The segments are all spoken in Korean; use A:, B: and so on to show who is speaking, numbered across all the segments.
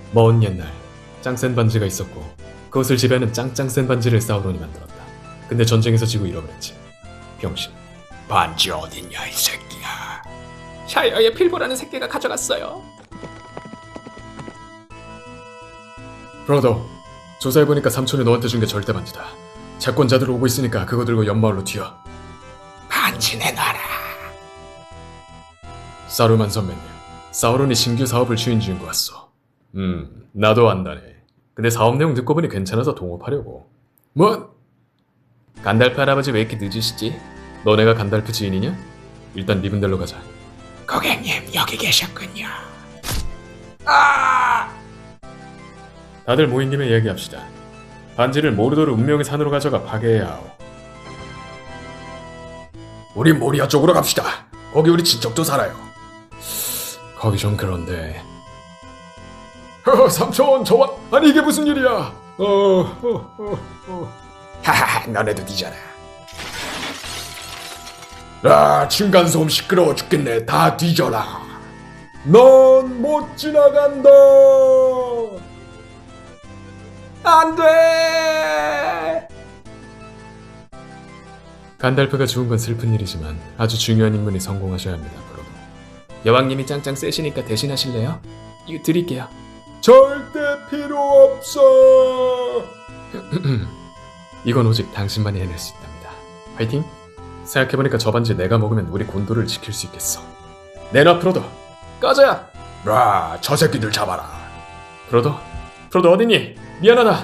A: 먼 옛날 짱센 반지가 있었고 그것을 지배하는 짱센 반지를 사우론이 만들었다. 근데 전쟁에서 지고 잃어버렸지. 병신.
B: 반지 어딨냐 이 새끼야.
C: 샤이어의 필보라는 새끼가 가져갔어요.
A: 브로더, 조사해보니까 삼촌이 너한테 준 게 절대 반지다. 채권자들 오고 있으니까 그거 들고 연마을로 튀어.
B: 반지 내놔라.
A: 사루만 선배님, 사우론이 신규 사업을 추진 중인 것 같소. 나도 안다네. 근데 사업 내용 듣고 보니 괜찮아서 동업하려고. 뭐? 간달프 할아버지 왜 이렇게 늦으시지? 너네가 간달프 지인이냐? 일단 네 분들로 가자.
B: 고객님 여기 계셨군요. 아!
A: 다들 모인 김에 이야기합시다. 반지를 모르도르 운명의 산으로 가져가 파괴해야 하오.
B: 우리 모리아 쪽으로 갑시다. 거기 우리 친척도 살아요.
A: 거기 좀 그런데.
B: 삼촌 저와 아니 이게 무슨 일이야. 하하 너네도 뒤져라. 아 층간소음 시끄러워 죽겠네. 다 뒤져라. 넌 못 지나간다.
C: 안돼.
A: 간달프가 죽은 건 슬픈 일이지만 아주 중요한 임무니 성공하셔야 합니다. 브로더. 여왕님이 짱짱 세시니까 대신하실래요? 이거 드릴게요.
B: 절대 필요 없어.
A: 이건 오직 당신만이 해낼 수 있답니다. 화이팅! 생각해보니까 저 반지 내가 먹으면 우리 곤도를 지킬 수 있겠어. 내놔 프로더!
C: 꺼져.
B: 저 새끼들 잡아라.
A: 프로더? 프로더 어딨니? 미안하다!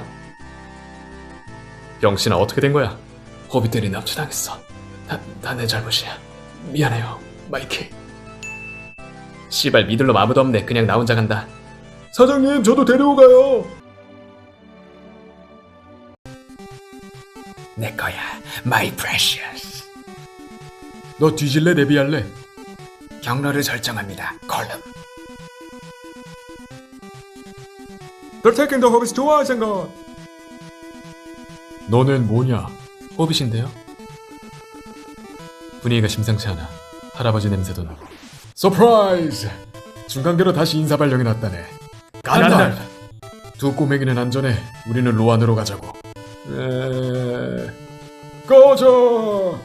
A: 병신아 어떻게 된 거야? 호빗들이 납치당했어. 다 내 잘못이야. 미안해요, 마이키. 씨발 믿을 놈 아무도 없네. 그냥 나 혼자 간다.
B: 사장님 저도 데려오가요. 내 거야, my precious.
A: 너 뒤질래 내비할래?
B: 경로를 설정합니다. 콜럼.
A: They're taking the hobbits to Isengard. 너는 뭐냐? 호빗인데요? 분위기가 심상치 않아. 할아버지 냄새도 나고. 서프라이즈! 중간계로 다시 인사 발령이 났다네. 간달프! 두 꼬맹이는 안전해. 우리는 로안으로 가자고. 꺼져!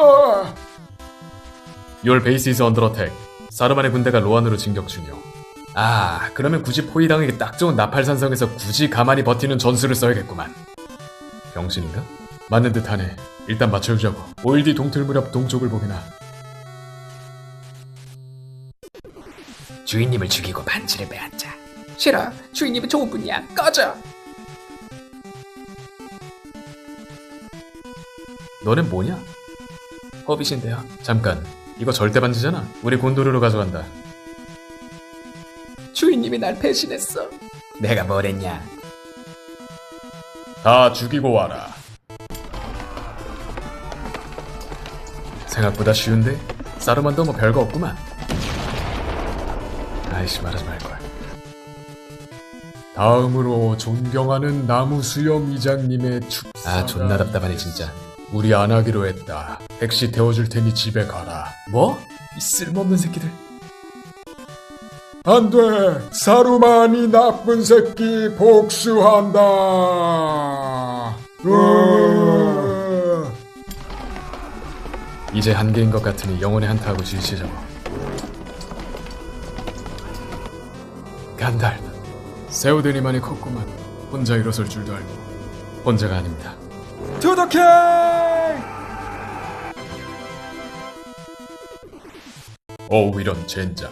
A: Your base is under attack. 사르만의 군대가 로안으로 진격 중이오. 아, 그러면 굳이 포위당하기 딱 좋은 나팔산성에서 굳이 가만히 버티는 전술을 써야겠구만. 병신인가? 맞는 듯하네. 일단 맞춰주자고. 5일 뒤 동틀 무렵 동쪽을 보게나.
B: 주인님을 죽이고 반지를 빼앗자.
C: 싫어. 주인님은 좋은 분이야. 꺼져.
A: 너넨 뭐냐? 허빗인데요. 잠깐. 이거 절대 반지잖아. 우리 곤도르로 가져간다.
C: 주인님이 날 배신했어.
B: 내가 뭘 했냐?
A: 다 죽이고 와라. 생각보다 쉬운데? 사르만도 뭐 별거 없구만. 아이씨 말하지 말걸. 다음으로 존경하는 나무수염 이장님의 축사. 아 존나 답답하네 진짜. 우리 안 하기로 했다. 택시 태워줄 테니 집에 가라. 뭐? 이 쓸모없는 새끼들.
B: 안 돼! 사루만이 나쁜 새끼 복수한다!
A: 이제 한계인 것 같으니 영혼의 한타하고 지시자고. 간달프. 세우더니만이 컸구만. 혼자 일어설 줄도 알고. 혼자가 아닙니다.
B: To the king!
A: 어우 이런 젠장.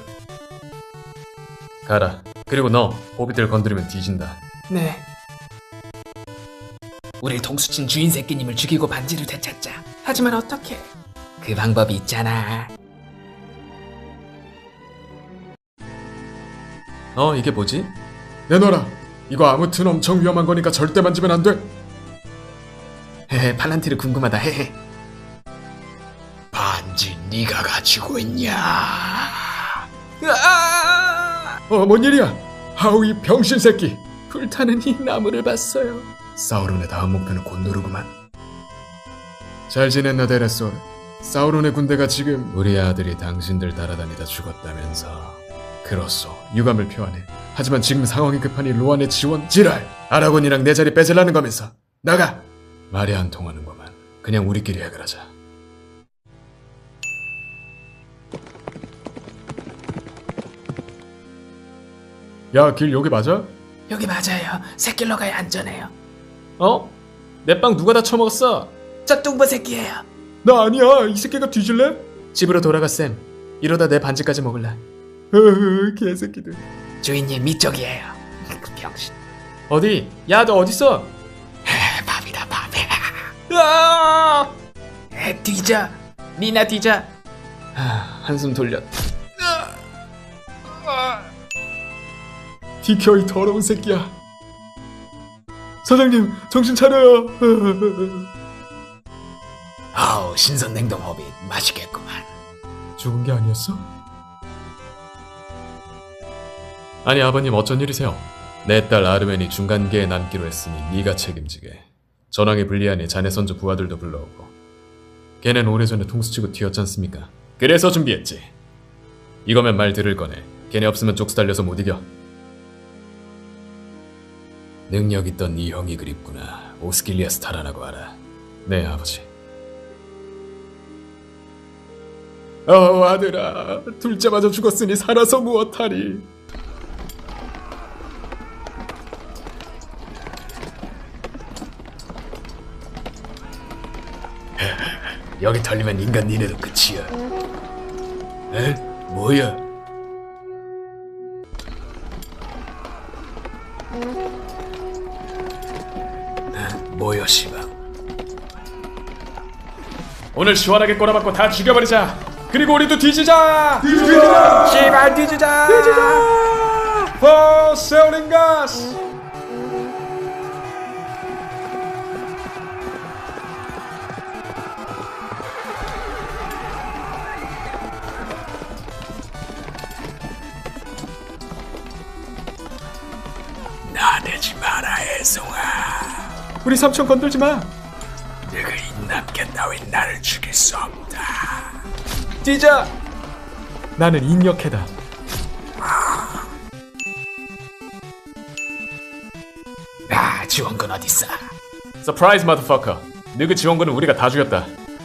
A: 가라. 그리고 너 호빗들 건드리면 뒤진다.
C: 네. 우릴 동수친 주인 새끼님을 죽이고 반지를 되찾자. 하지만 어떻게?
B: 그 방법이 있잖아.
A: 이게 뭐지?
B: 내놔라. 이거 아무튼 엄청 위험한 거니까 절대 만지면 안 돼.
C: 헤헤, 팔란티르 궁금하다. 헤헤.
B: 반지 네가 가지고 있냐? 뭔 일이야? 하우 이 병신 새끼.
C: 불타는 이 나무를 봤어요.
B: 사우론의 다음 목표는 곤도르구만.
A: 잘 지냈나 데레솔? 사우론의 군대가 지금 우리 아들이 당신들 따라다니다 죽었다면서.
B: 그렇소. 유감을 표하네. 하지만 지금 상황이 급하니 로안의 지원 지랄. 아라곤이랑 내 자리 뺏으려는 거면서 나가. 말이 안 통하는구만. 그냥 우리끼리 해결하자. 야, 길 여기 맞아?
C: 여기 맞아요. 새끼로 가야 안전해요.
A: 어? 내 빵 누가 다 처먹었어?
C: 저 뚱보 새끼예요.
B: 나 아니야. 이 새끼가 뒤질래?
A: 집으로 돌아가 쌤. 이러다 내 반지까지 먹을라.
B: 개새끼들.
C: 주인님 이쪽이에요. 그 병신.
A: 어디? 야 너 어딨어?
C: 밥이다 밥.
A: 아!
C: 뒤져. 니나 뒤져.
A: 한숨 돌렸.
B: 비켜 이 더러운 새끼야. 사장님 정신 차려요.
C: 아우 신선 냉동 호빗 맛있겠구만.
B: 죽은 게 아니었어?
A: 아니 아버님 어쩐 일이세요? 내 딸 아르멘이 중간계에 남기로 했으니 네가 책임지게. 전황이 불리하니 자네 선조 부하들도 불러오고. 걔는 오래전에 통수치고 튀었잖습니까? 그래서 준비했지. 이거면 말 들을 거네. 걔네 없으면 족수 달려서 못 이겨. 능력 있던 네 형이 그립구나. 오스킬리아스 타라라고 알아. 네 아버지.
B: 아들아, 둘째마저 죽었으니 살아서 무엇하리.
A: 여기 털리면 인간 니네도 끝이야. 에? 뭐야? 뭐야 씨발.
B: 오늘 시원하게 꼬라박고 다 죽여버리자. 그리고 우리도 뒤지자.
C: 씨발 뒤지자.
B: 세오링가스.
C: 나대지 마라 애송아.
B: 우리 삼촌 건들지 마.
C: 내가 인남견 따윈 나를 죽일 수 없다.
B: 뛰자. 나는 인력해다.
C: 지원군 어딨어?
A: 서프라이즈 마더퍼커. 너그 지원군은 우리가 다 죽였다.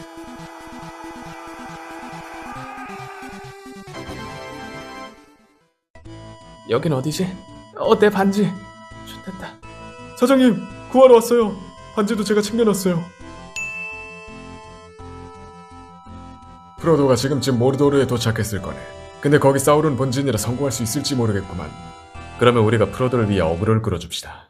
A: 여긴 어디지? 내 반지. 좋됐다.
B: 사장님 구하러 왔어요. 반지도 제가 챙겨놨어요. 프로도가 지금쯤 모르도르에 도착했을 거네. 근데 거기 사우론 본진이라 성공할 수 있을지 모르겠구만.
A: 그러면 우리가 프로도를 위해 어그로를 끌어줍시다.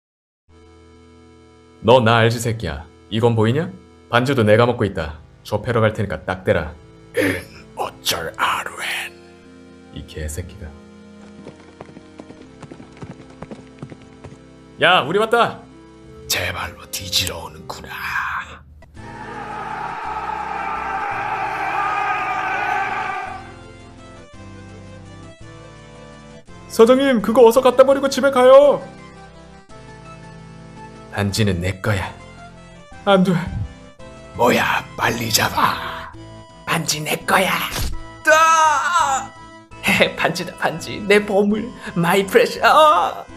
A: 너 나 알지 새끼야. 이건 보이냐? 반지도 내가 먹고 있다. 좁혀러 갈 테니까 딱 대라.
C: 어쩔 아루엔.
A: 이 개새끼가. 야 우리 왔다.
C: 제발로 뒤지러 오는구나.
B: 사장님 그거 어서 갖다 버리고 집에 가요.
A: 반지는 내 거야.
B: 안 돼.
C: 뭐야 빨리 잡아. 반지 내 거야. 반지다 반지. 내 보물. 마이 프레셔.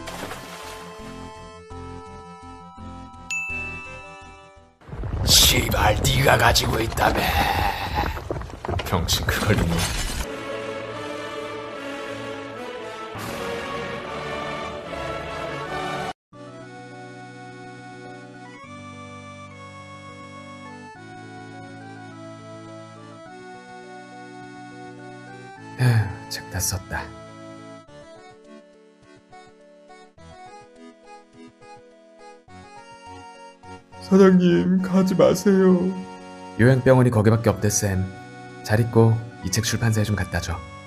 C: 씨발 네가 가지고 있다며.
A: 병신 그걸 이미. 책 다 썼다.
B: 사장님 가지 마세요.
A: 요양병원이 거기밖에 없대 쌤. 잘 있고 이 책 출판사에 좀 갖다 줘.